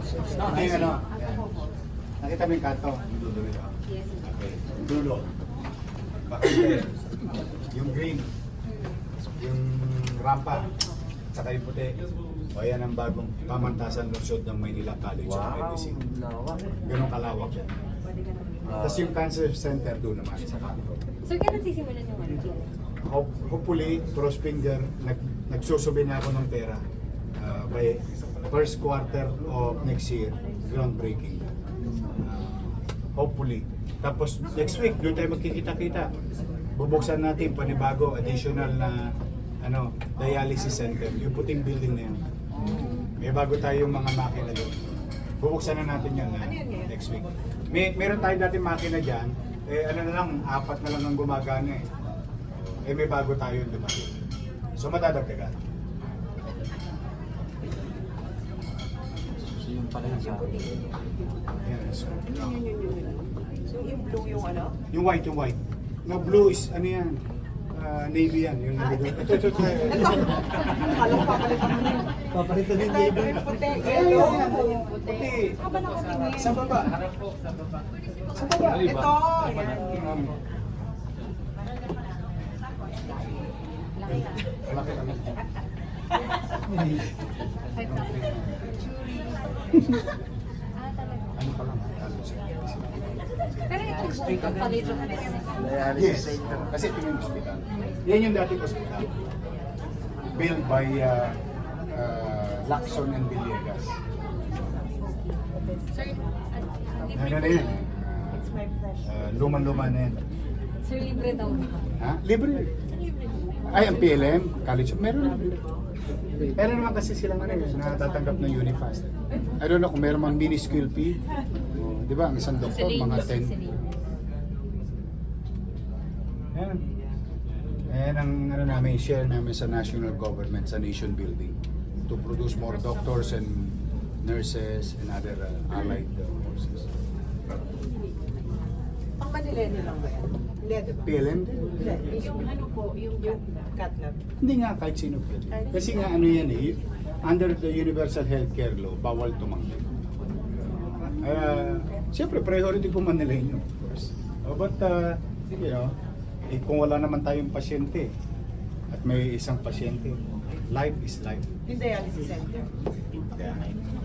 Ito yung ano. Nakita mo yung kanto? Yung dulo nito. Okay. Yung dulo. Bakit yung green. Yung rampa. Saka yung puti. O yan ang bagong pamantasan lungsod ng Maynila College of Medicine. Ganun kalawak yan. Tapos yung cancer center doon naman sa kanto. So, kailan sisimulan yung ano? Hopefully, cross finger, nagsusubi na ako ng pera by first quarter of next year, groundbreaking. Hopefully. Tapos next week, doon tayo magkikita-kita. Bubuksan natin panibago, additional na dialysis center, yung puting building na yan. May bago tayong mga makina doon. Bubuksan na natin yan next week. Meron tayo dati makina dyan, na lang, 4 na lang ang gumagana eh. May bago tayo lumaki. So madadagdagan. So yung pala yung sabi. Yan, so, So yung blue yung ano? yung white. No, blue is ano yan? Navy yan. Yung navy. Ito. Akala ko papalitan mo na yun. Papalitan yung Ito label. yung puti, yellow. Puti. Haba nakatingin. Sa baba. Sa baba. Ito. Ayan. Malaki kami. Ano pa lang? Pero ito, College of Medicine. Yes. Kasi ito yung hospital. Yan yung dating hospital. Built by Lacson and Villegas. Sir, Ano na yan? It's my pleasure. Luman-luma na yan. Sir, libre daw ba? Ha? Libre. Ay, ang PLM, college, meron. Meron naman kasi silang natatanggap ng Unifast. I don't know kung meron mang minuscule fee. Di ba, ang isang doktor, mga 10. Ayan. Ayan ang namin, share namin sa national government, sa nation building to produce more doctors and nurses and other allied forces. Ang Manilene lang ba yan? Hindi, diba? PLM? Yung ano po, yung cat lab. Hindi nga kahit sino pwede. Kasi nga ano yan under the Universal Healthcare Law, bawal tumanggi. Siyempre, priority po Manileño, of course. But, kung wala naman tayong pasyente, at may isang pasyente, life is life. Yung dialysis center. Kaya,